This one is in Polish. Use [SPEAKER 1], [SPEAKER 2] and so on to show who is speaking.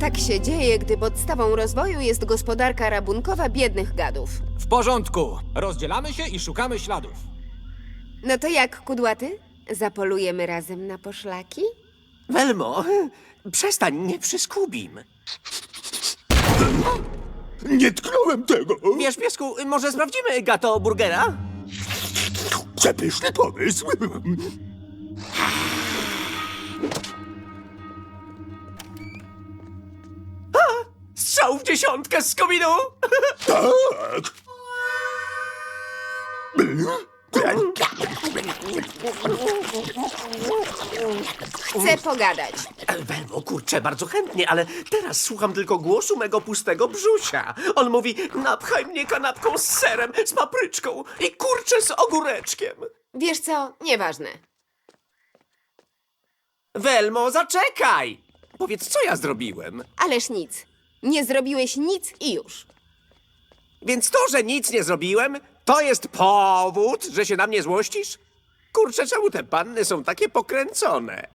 [SPEAKER 1] Tak się dzieje, gdy podstawą rozwoju jest gospodarka rabunkowa biednych gadów.
[SPEAKER 2] W porządku. Rozdzielamy się i szukamy śladów.
[SPEAKER 1] No to jak, kudłaty? Zapolujemy razem na poszlaki?
[SPEAKER 3] Welmo, przestań, nie przyskubim.
[SPEAKER 4] Nie tknąłem tego!
[SPEAKER 3] Wiesz, piesku, może sprawdzimy gato burgera?
[SPEAKER 4] Przepyszny pomysł!
[SPEAKER 3] Strzał w dziesiątkę z kominu!
[SPEAKER 4] Tak!
[SPEAKER 1] Chcę pogadać.
[SPEAKER 3] Welmo, kurczę, bardzo chętnie, ale teraz słucham tylko głosu mego pustego brzusia. On mówi, napchaj mnie kanapką z serem, z papryczką i kurczę z ogóreczkiem.
[SPEAKER 1] Wiesz co? Nieważne.
[SPEAKER 3] Welmo, zaczekaj! Powiedz, co ja zrobiłem?
[SPEAKER 1] Ależ nic. Nie zrobiłeś nic i już.
[SPEAKER 3] Więc to, że nic nie zrobiłem, to jest powód, że się na mnie złościsz? Kurczę, czemu te panny są takie pokręcone?